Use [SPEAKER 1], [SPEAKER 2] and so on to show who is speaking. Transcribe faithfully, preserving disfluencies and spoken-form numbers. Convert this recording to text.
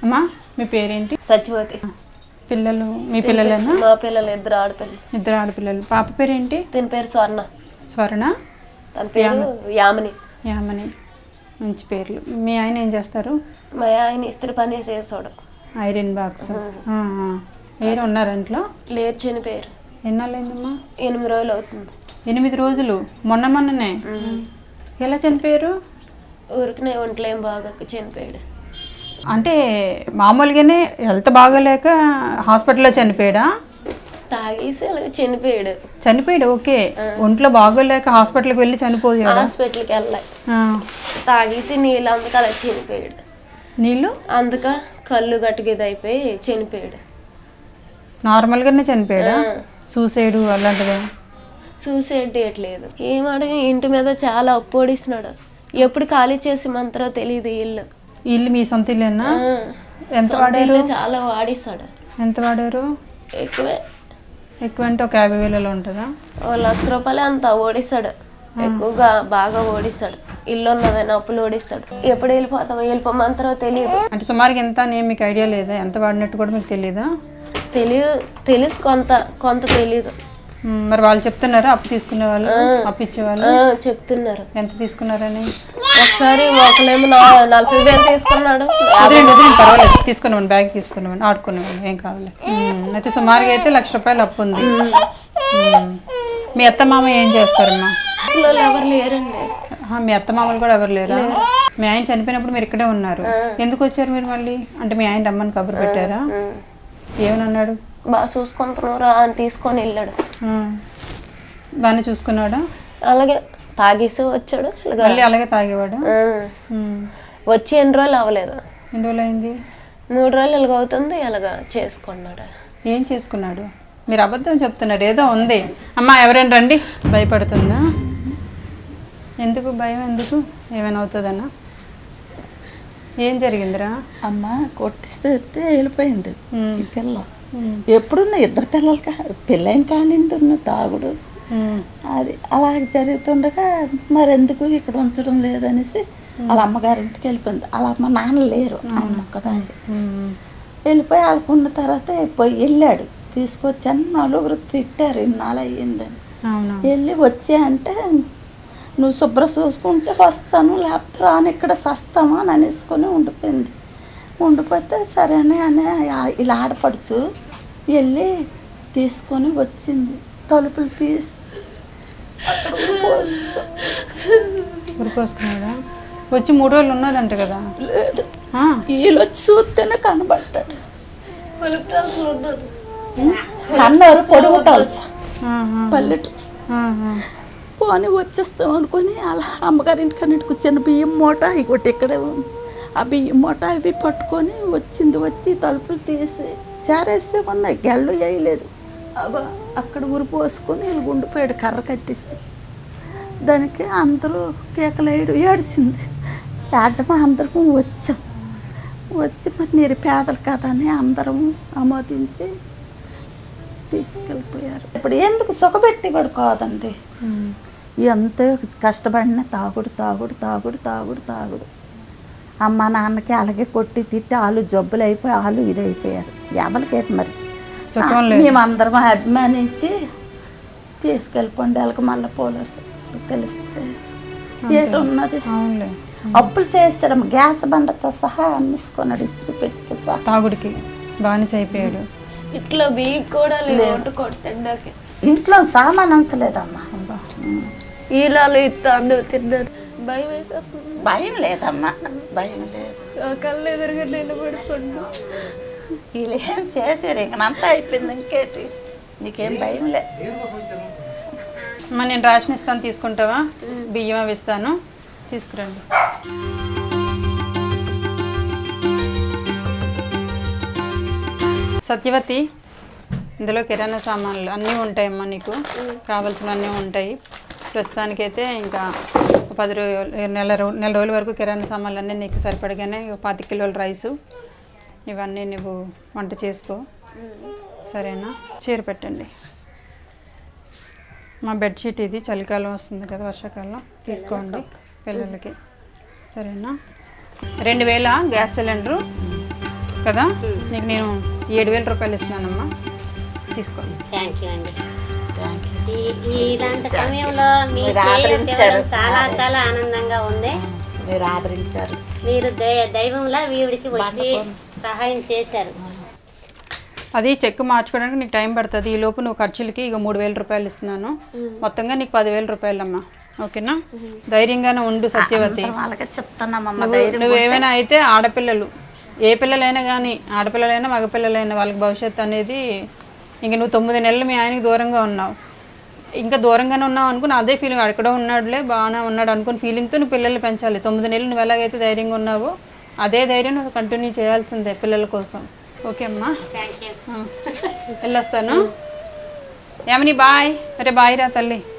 [SPEAKER 1] అమ్మా మీ పేరేంటి?
[SPEAKER 2] సత్యవతి.
[SPEAKER 1] పిల్లలు మీ పిల్లలేనా?
[SPEAKER 2] మా పిల్లలు ఇద్దరు ఆడపిల్లలు.
[SPEAKER 1] ఇద్దరు ఆడపిల్లలు. పాప పేరేంటి?
[SPEAKER 2] దీని పేరు స్వర్ణ.
[SPEAKER 1] స్వర్ణ.
[SPEAKER 2] తన పేరు యామిని.
[SPEAKER 1] యామిని. మంచి పేర్లు. మీ ఆయన ఏం చేస్తారు?
[SPEAKER 2] మా ఆయన ఇస్త్రీ పని చేసాడు.
[SPEAKER 1] Iron box. వేరే ఉన్నారు ఇంట్లో?
[SPEAKER 2] లేరు, చనిపోయారు.
[SPEAKER 1] ఎన్నాళ్ళైందమ్మా?
[SPEAKER 2] ఎనిమిది రోజులు అవుతుంది.
[SPEAKER 1] ఎనిమిది రోజులు? మొన్న మొన్ననే ఎలా చనిపోయారు?
[SPEAKER 2] ఊరికనే ఒంట్లో ఏం బాగా చనిపోయాడు.
[SPEAKER 1] అంటే మామూలుగానే హెల్త్ బాగోలేక హాస్పిటల్లో చనిపోయాడా?
[SPEAKER 2] తాగేసి అలాగే చనిపోయాడు.
[SPEAKER 1] చనిపోయాడు ఓకే. ఒంట్లో బాగోలేక హాస్పిటల్కి వెళ్ళి చనిపోయాడు?
[SPEAKER 2] హాస్పిటల్కి వెళ్ళాలి. తాగేసి నీళ్ళు అందుకు అలా చనిపోయాడు.
[SPEAKER 1] నీళ్ళు
[SPEAKER 2] అందుక కళ్ళు గట్టుగిది అయిపోయి చనిపోయాడు.
[SPEAKER 1] నార్మల్గానే చనిపోయాడా? సూసైడ్ అలాంటిదే?
[SPEAKER 2] సూసైడ్ చేయట్లేదు. ఏమడగా ఇంటి మీద చాలా అప్పు ఓడిస్తున్నాడు. ఎప్పుడు ఖాళీ చేసి మంత్రో తెలియదు. ఇల్లు
[SPEAKER 1] ఇల్లు మీ సొంత ఇల్లేనా? ఎంత
[SPEAKER 2] సొంత
[SPEAKER 1] వాడారు?
[SPEAKER 2] ఇల్లు చాలా వాడిస్తాడు.
[SPEAKER 1] ఎంత వాడారు?
[SPEAKER 2] ఎక్కువే.
[SPEAKER 1] ఎక్కువ అంటే ఒక యాభై వేలలో ఉంటుందా?
[SPEAKER 2] ఓ లక్ష రూపాయలు అంత ఓడిస్తాడు. ఎక్కువగా బాగా ఓడిస్తాడు. ఇల్లు ఉన్నదని అప్పులు ఓడిస్తాడు. ఎప్పుడు వెళ్ళిపోతామో వెళ్ళిపోమంటారో తెలియదు.
[SPEAKER 1] అంటే సుమారుగా ఎంత అని మీకు ఐడియా లేదా? ఎంత వాడినట్టు కూడా మీకు తెలియదా?
[SPEAKER 2] తెలియదు. తెలుసు కొంత కొంత తెలియదు.
[SPEAKER 1] మరి వాళ్ళు చెప్తున్నారా అప్పు తీసుకునే వాళ్ళు, అప్పు ఇచ్చేవాళ్ళు
[SPEAKER 2] చెప్తున్నారు. ఎంత
[SPEAKER 1] తీసుకున్నారని?
[SPEAKER 2] ఒకసారి ఒకలేమో నలభై వేలు తీసుకున్నాడు.
[SPEAKER 1] పర్వాలేదు, తీసుకున్నాను. బ్యాగ్ తీసుకున్నాను, ఆడుకున్నాను, ఏం కావాలి. అయితే సుమారుగా అయితే లక్ష రూపాయలు అప్పు ఉంది. మీ అత్త మామ ఏం చేస్తారమ్మా?
[SPEAKER 2] ఎవరు లేరండి.
[SPEAKER 1] మీ అత్త మామలు కూడా ఎవరు లేరా? మీ ఆయన చనిపోయినప్పుడు మీరు ఇక్కడే ఉన్నారు. ఎందుకు వచ్చారు మీరు మళ్ళీ? అంటే మీ ఆయన రమ్మని కబురు పెట్టారా? ఏమన్నాడు?
[SPEAKER 2] బాగా చూసుకుంటున్నారా అని తీసుకొని వెళ్ళాడు.
[SPEAKER 1] బాగానే చూసుకున్నాడా?
[SPEAKER 2] అలాగే తాగేసి వచ్చాడు.
[SPEAKER 1] మళ్ళీ అలాగే తాగేవాడు.
[SPEAKER 2] వచ్చి ఎన్ని రోజులు అవ్వలేదు.
[SPEAKER 1] ఎన్ని రోజులు అయింది?
[SPEAKER 2] మూడు రోజులు ఇలాగ అవుతుంది. ఇలాగ చేసుకున్నాడు.
[SPEAKER 1] ఏం చేసుకున్నాడు? మీరు అబద్ధం చెప్తున్నారు. ఏదో ఉంది. అమ్మా ఎవరైనా రండి. భయపడుతుందా? ఎందుకు భయం? ఎందుకు? ఏమైనా అవుతుందన్నా? ఏం జరిగిందిరా?
[SPEAKER 3] అమ్మ కొట్టిస్తే వెళ్ళిపోయింది ఈ పిల్ల. ఎప్పుడున్నా ఇద్దరు పిల్లలకి పిల్లైన కానింటున్న తాగుడు అది అలాగే జరుగుతుండగా మరెందుకు ఇక్కడ ఉంచడం లేదనేసి వాళ్ళ అమ్మగారింటికి వెళ్ళిపోయింది. వాళ్ళ అమ్మ నాన్న లేరు, అమ్మ ఒక్కదాన్ని వెళ్ళిపోయి వాళ్ళకున్న తర్వాత పోయి వెళ్ళాడు. తీసుకొచ్చాను. నలుగురు తిట్టారు ఇన్నాళ్ళు అయ్యిందని. వెళ్ళి వచ్చే అంటే నువ్వు శుభ్ర చూసుకుంటే వస్తాను, లేకపోతే రాను, ఇక్కడ సస్తామా అని అనేసుకొని ఉండిపోయింది. ఉండిపోతే సరేనే అని ఇలా ఆడపడుచు వెళ్ళి తీసుకొని వచ్చింది. తలుపులు తీసి
[SPEAKER 1] పోసుకున్నాడా? వచ్చి మూడు రోజులు ఉన్నదంట కదా?
[SPEAKER 3] లేదు, వీళ్ళు వచ్చి చూస్తేనే కనబడ్డాడు. అన్నారు పొడుగుటాల్సా పల్లెటూరు. పోనీ వచ్చేస్తాం అనుకుని అలా అమ్మగారింటికి అన్నింటికి వచ్చిన బియ్యం మూట ఇంకోటి ఇక్కడే ఉంది. ఆ బియ్యం మూట అవి పట్టుకొని వచ్చింది. వచ్చి తలుపులు తీసి చారేస్తే ఉన్నాయి, గెళ్ళు వేయలేదు. అబ్బా అక్కడ ఊరు పోసుకొని వీళ్ళు గుండిపోయాడు కర్ర కట్టేసి. దానికి అందరూ కేకలేయడు ఏడిసింది. ఏడమా అందరం వచ్చాం. వచ్చి మరి మీరు పేదలు కదా అని అందరం ఆమోదించి తీసుకెళ్ళిపోయారు. ఇప్పుడు ఎందుకు సుఖపెట్టి కూడా కాదండి, ఎంతో కష్టపడిన తాగుడు తాగుడు తాగుడు తాగుడు తాగుడు. అమ్మ నాన్నకి అలాగే కొట్టి తిట్టి వాళ్ళు జబ్బులు అయిపోయి వాళ్ళు ఇది అయిపోయారు. ఎవరికేటి మరి మేమందరం అభిమానించి తీసుకెళ్ళిపోండి. వాళ్ళకి మళ్ళీ పోలీసు తెలిస్తే ఏటి ఉన్నది. అప్పులు చేస్తాడు. గ్యాస్ బండతో సహా అమ్మేసుకున్నాడు, ఇస్త్రీ పెట్టితో సహా.
[SPEAKER 1] తాగుడికి బానిస అయిపోయాడు.
[SPEAKER 2] ఇట్లా బియ్యం కూడా లేదు కొట్టండి.
[SPEAKER 3] ఇంట్లో సామాన్ ఉంచలేదమ్మా.
[SPEAKER 2] ఈలాలు ఇస్తాను తిన్నారు. భయం వేసేస్తుంది.
[SPEAKER 3] భయం లేదమ్మా, భయం లేదు.
[SPEAKER 2] కళ్ళు ఎదురుగా నిలబడుకుంటూ
[SPEAKER 3] వీళ్ళు ఏం చేశారు, ఇంకంతా అయిపోయింది. ఇంకేటి నీకేం భయం లే.
[SPEAKER 1] అమ్మా నేను రేషన్ ఇస్తాను, తీసుకుంటావా? బియ్యం అవి ఇస్తాను, తీసుకురండి. సత్యవతి, ఇందులో కిరాణా సామాన్లు అన్నీ ఉంటాయమ్మా. నీకు కావాల్సినవన్నీ ఉంటాయి. ప్రస్తుతానికైతే ఇంకా పది రోజులు నెల రో నెల రోజుల వరకు కిరాణా సామాన్లు అన్నీ నీకు సరిపడగానే పాతి కిలోల రైసు ఇవన్నీ నువ్వు వంట చేసుకో, సరేనా? చీర పెట్టండి. మా బెడ్షీట్ ఇది, చలికాలం వస్తుంది కదా, వర్షాకాలం తీసుకోండి పిల్లలకి, సరేనా? రెండు వేల గ్యాస్ సిలిండరు కదా నీకు నేను ఏడు వేల రూపాయలు ఇస్తున్నానమ్మా, తీసుకోండి.
[SPEAKER 4] థ్యాంక్ యూ అండి.
[SPEAKER 3] Thank you.
[SPEAKER 4] ఈ- ఇలాంటి సమయంలో మీ
[SPEAKER 3] మీరు
[SPEAKER 4] చేయడం
[SPEAKER 3] ఆదరించారు.
[SPEAKER 4] చాలా చాలా ఆనందంగా ఉంది.
[SPEAKER 3] మీరు ఆదరించారు.
[SPEAKER 4] మీరు దై- దైవంలా వీడికి వచ్చి సహాయం చేశారు.
[SPEAKER 1] అది చెక్ మార్చుకోవడానికి నీకు టైం పడుతుంది. ఈ లోపు నువ్వు ఖర్చులకి ఇక మూడు వేల రూపాయలు ఇస్తున్నాను, మొత్తంగా నీకు పదివేల రూపాయలమ్మా. ఓకేనా? ధైర్యంగానే ఉండు సత్యవతి.
[SPEAKER 3] వాళ్ళకే చెప్తానమ్మా
[SPEAKER 1] నువ్వు
[SPEAKER 3] ధైర్యం.
[SPEAKER 1] నువ్వేమైనా అయితే ఆడపిల్లలు, ఏ పిల్లలైనా కానీ, ఆడపిల్లలైనా మగపిల్లలైనా వాళ్ళకి భవిష్యత్తు అనేది, ఇంక నువ్వు తొమ్మిది నెలలు మీ ఆయనకి దూరంగా ఉన్నావు, ఇంకా దూరంగానే ఉన్నావు అనుకుని అదే ఫీలింగ్, అక్కడ ఉన్నాడులే బాగానే ఉన్నాడు అనుకుని ఫీలింగ్తో నువ్వు పిల్లల్ని పెంచాలి. తొమ్మిది నెలలు నువ్వు ఎలాగైతే ధైర్యంగా ఉన్నావో అదే ధైర్యం నువ్వు కంటిన్యూ చేయాల్సిందే పిల్లల కోసం. ఓకే అమ్మా,
[SPEAKER 4] థ్యాంక్ యూ.
[SPEAKER 1] వెళ్ళొస్తాను. ఏమని బాయ్. అరే బాయ్ రా తల్లి.